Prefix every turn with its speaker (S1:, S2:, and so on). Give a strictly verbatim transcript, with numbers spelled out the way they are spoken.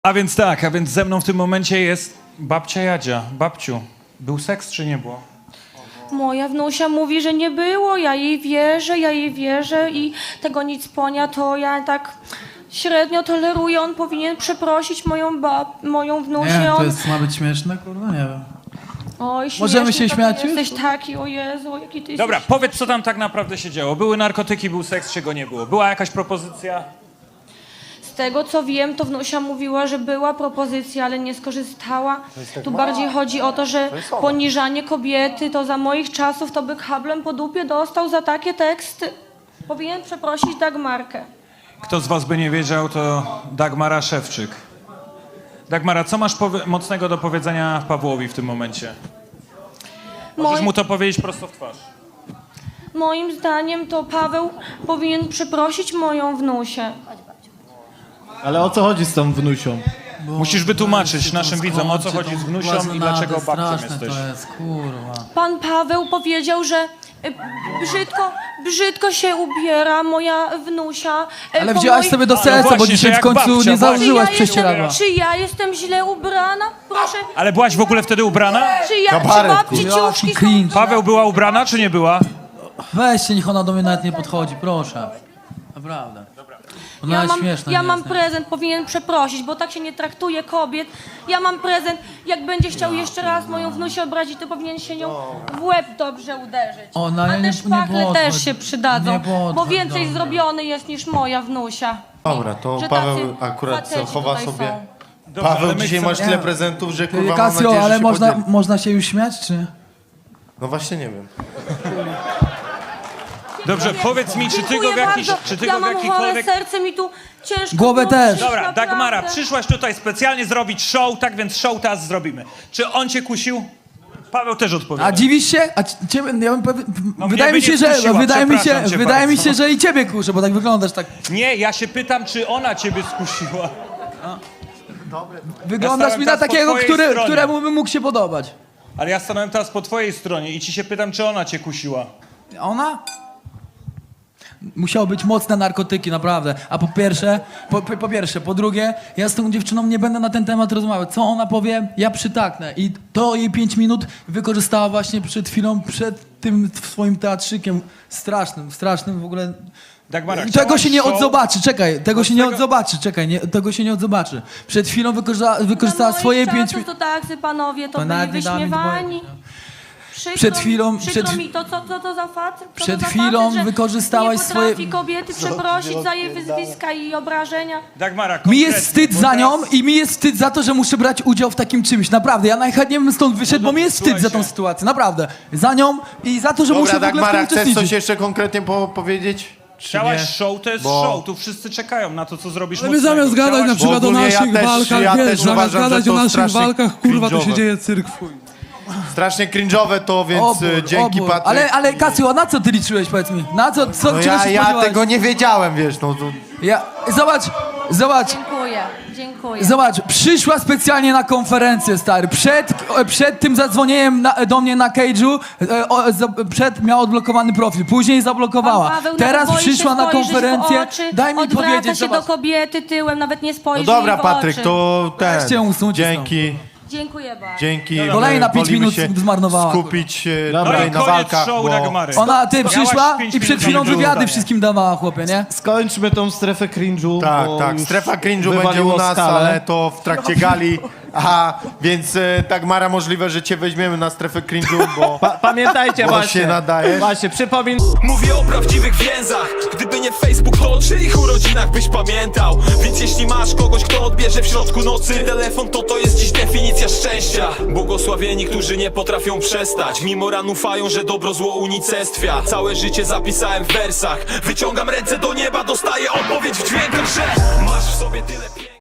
S1: A więc tak, a więc ze mną w tym momencie jest babcia Jadzia. Babciu, był seks czy nie było?
S2: Moja wnusia mówi, że nie było, ja jej wierzę, ja jej wierzę i tego nic ponia, to ja tak średnio toleruję, on powinien przeprosić moją bab, moją wnusię.
S3: Nie, to
S2: on...
S3: jest, ma być śmieszne, kurwa, nie wiem.
S2: Oj,
S3: Możemy
S2: śmieszny
S3: się
S2: taki
S3: śmiać już?
S2: Jesteś taki, o Jezu, jaki ty
S1: Dobra,
S2: jesteś...
S1: powiedz, co tam tak naprawdę się działo. Były narkotyki, był seks, czego nie było. Była jakaś propozycja?
S2: Z tego co wiem, to wnusia mówiła, że była propozycja, ale nie skorzystała. Tu bardziej chodzi o to, że poniżanie kobiety, to za moich czasów to by kablem po dupie dostał za takie teksty. Powinien przeprosić Dagmarkę.
S1: Kto z was by nie wiedział, to Dagmara Szewczyk. Dagmara, co masz powie- mocnego do powiedzenia Pawłowi w tym momencie? Możesz
S2: Moi-
S1: mu to powiedzieć prosto w twarz.
S2: Moim zdaniem to Paweł powinien przeprosić moją wnusię.
S4: Ale o co chodzi z tą wnusią?
S1: Musisz wytłumaczyć naszym widzom, o co chodzi z wnusią i dlaczego babcią
S3: straszne
S1: jesteś.
S3: to jest, kurwa.
S2: Pan Paweł powiedział, że y, brzydko, brzydko się ubiera moja wnusia. y,
S3: Ale
S2: po
S3: wzięłaś
S2: moich-
S3: sobie do
S1: No
S3: serca, bo
S1: właśnie, że
S3: dzisiaj w
S1: jak
S3: końcu
S1: babcia,
S3: nie
S1: właśnie.
S3: założyłaś
S2: Czy ja,
S3: prześcieradła.
S2: jestem, czy ja jestem źle ubrana? Proszę,
S1: Ale byłaś w ogóle wtedy ubrana?
S2: czy ja, czy
S4: Kabaret,
S2: babci
S3: kurwa.
S2: ciuszki
S3: Jaki
S2: są...
S3: cringe.
S1: Paweł była ubrana, czy nie była?
S3: Weźcie, niech ona do mnie nawet nie podchodzi, proszę. Naprawdę. Ona
S2: Ja
S3: jest
S2: mam,
S3: śmieszna.
S2: ja
S3: nie
S2: mam
S3: jest, nie?
S2: prezent, powinien przeprosić, bo tak się nie traktuje kobiet. Ja mam prezent, jak będzie chciał jeszcze raz moją wnusię obrazić, to powinien się nią w łeb dobrze uderzyć.
S3: Ona,
S2: A
S3: ja
S2: te
S3: nie- nie
S2: szpachle
S3: podchodź.
S2: też się przydadzą,
S3: Nie podchodź
S2: bo więcej
S3: do mnie.
S2: zrobiony jest niż moja wnusia.
S4: Dobra, to
S2: Że
S4: Paweł
S2: tacy
S4: akurat co,
S2: faceci
S4: chowa
S2: tutaj
S4: sobie.
S2: są.
S1: Dobrze, ale
S4: Paweł,
S1: my
S4: dzisiaj
S1: chcemy-
S4: masz tyle prezentów, że kurwa mam
S3: Kasio,
S4: nadzieję, że
S3: ale
S4: się
S3: można,
S4: podzieli.
S3: można się już śmiać, czy?
S4: No właśnie nie wiem.
S1: Dobrze, powiedz mi, czy ty go w
S2: Dziękuję
S1: jakiś,
S2: bardzo.
S1: czy ty
S2: ja
S1: go w
S2: mam chore
S1: jakikolwiek...
S2: serce, mi tu ciężko
S3: Głowę
S2: było
S3: też.
S2: przyjść,
S1: Dobra,
S2: naprawdę.
S1: Dagmara, przyszłaś tutaj specjalnie zrobić show, tak więc show teraz zrobimy. Czy on cię kusił? Paweł też odpowiada.
S3: A dziwisz się? A c- ciebie, ja bym powie...
S1: No
S3: wydaje
S1: mnie
S3: mi
S1: by
S3: się,
S1: nie
S3: że
S1: skusiła,
S3: wydaje mi się,
S1: przepraszam cię
S3: wydaje mi
S1: bardzo.
S3: się, że i ciebie kuszę, bo tak wyglądasz tak.
S1: Nie, ja się pytam, czy ona ciebie skusiła.
S3: Wyglądasz
S1: stałem
S3: mi na
S1: teraz po
S3: takiego,
S1: twojej
S3: który,
S1: stronie.
S3: któremu by mógł się podobać.
S1: Ale ja stanąłem teraz po twojej stronie i ci się pytam, czy ona cię kusiła.
S3: A ona? Musiało być mocne narkotyki, naprawdę. A po pierwsze, po, po, po pierwsze, po drugie, ja z tą dziewczyną nie będę na ten temat rozmawiać. Co ona powie, ja przytaknę. I to jej pięć minut wykorzystała właśnie przed chwilą, przed tym swoim teatrzykiem strasznym, strasznym w ogóle.
S1: Dagmara,
S3: Tego
S1: chciałaś
S3: się nie
S1: show?
S3: odzobaczy, czekaj, tego się nie
S1: tego-
S3: odzobaczy, czekaj, nie, tego się nie odzobaczy. Przed chwilą wykorzysta, wykorzystała
S2: Na moich
S3: swoje
S2: czasach
S3: pięć minut.
S2: to tacy panowie to
S3: To
S2: byli
S3: nawet nie dała mi
S2: wyśmiewani.
S3: dwoje.
S2: Przykro,
S3: Przed chwilą-
S2: przykro
S3: przed-
S2: mi to, co, co to za facet? Co
S3: Przed
S2: to za
S3: chwilą
S2: facet, że
S3: wykorzystałaś
S2: nie
S3: swoje-
S2: potrafi kobiety przeprosić za jej wyzwiska i obrażenia.
S1: Dagmara,
S3: Mi
S1: konkretnie,
S3: jest wstyd
S1: bo
S3: za
S1: teraz-
S3: nią i mi jest wstyd za to, że muszę brać udział w takim czymś. Naprawdę, ja najchętniej bym stąd wyszedł, bo mi jest wstyd za tą
S1: słuchajcie.
S3: sytuację. Naprawdę. Za nią i za to, że muszę
S4: Dobra,
S3: w ogóle w
S4: Dagmara,
S3: tym
S4: chcesz coś
S3: uczestniczyć.
S4: jeszcze konkretnie po powiedzieć? Czy
S1: Chciałaś
S4: nie?
S1: show, to jest
S4: Bo-
S1: show, tu wszyscy czekają na to, co zrobisz
S5: Ale my
S1: mocnego.
S5: zamiast gadać na
S1: Chciałaś-
S5: przykład o
S4: ogólnie ja
S5: naszych
S4: też-
S5: walkach,
S4: ja
S5: wiesz,
S4: też
S5: zamiast
S4: uważam,
S5: gadać
S4: że
S5: o
S4: to
S5: naszych
S4: strasznie
S5: walkach, kurwa, to się
S4: cringe'owe.
S5: dzieje cyrk w chuj.
S4: Strasznie cringe'owe to, więc
S3: Obór,
S4: e, dzięki
S3: obór.
S4: Patryk.
S3: Ale, ale Kasiu, a na co ty liczyłeś, powiedz mi? Na co, co
S4: No
S3: czego
S4: ja,
S3: się
S4: ja
S3: spodziewałeś?
S4: tego nie wiedziałem, wiesz, no to...
S3: Ja, zobacz, zobacz,
S2: Dziękuję, dziękuję.
S3: zobacz, przyszła specjalnie na konferencję, stary. Przed, przed tym zadzwonieniem na, do mnie na Cage'u, e, o, za- przed miała odblokowany profil, później zablokowała.
S2: Pan Paweł
S3: Teraz
S2: nawet boi
S3: przyszła
S2: się
S3: na
S2: spojrzeć w
S3: konferencję.
S2: oczy,
S3: Daj mi
S2: odwraca
S3: powiedzieć,
S2: się
S3: zobacz.
S2: do kobiety tyłem, nawet nie
S4: No
S2: spojrzy
S4: dobra,
S2: jej w
S4: Patryk,
S2: oczy.
S4: to ten...
S3: Weźcie ją usuńcie
S4: Dzięki,
S2: Dziękuję bardzo.
S4: dzięki.
S3: Kolejna
S4: e,
S3: pięć
S4: wolimy
S3: minut
S4: się
S3: zmarnowała,
S4: skupić e,
S1: No
S4: tutaj
S1: i
S4: na
S1: koniec
S4: walkach,
S1: show
S4: bo...
S1: Dagmary.
S3: Ona, ty
S1: Miałaś
S3: przyszła
S1: pięć
S3: i przed
S1: minut
S3: chwilą
S1: na
S3: wywiady
S1: wydanie.
S3: wszystkim dawała, chłopie, nie?
S6: Skończmy tą strefę cringe'u,
S4: Tak,
S6: bo
S4: tak,
S6: już
S4: strefa cringe'u będzie
S6: wywaliło
S4: u nas,
S6: skalę.
S4: ale to w trakcie gali. Aha, więc e, Dagmara, możliwe, że cię weźmiemy na strefę cringe'u, bo...
S6: Pa pamiętajcie
S4: Bo
S6: właśnie,
S4: się nadajesz.
S6: właśnie, przypomin...
S7: Mówię o prawdziwych więzach. Gdyby nie Facebook, to o czyich urodzinach byś pamiętał. Więc jeśli masz kogoś, kto odbierze w środku nocy telefon, to to jest dziś definicja szczęścia. Błogosławieni, którzy nie potrafią przestać, mimo ran ufają, że dobro zło unicestwia. Całe życie zapisałem w wersach. Wyciągam ręce do nieba, dostaję odpowiedź w dźwiękach, że masz w sobie tyle piękna.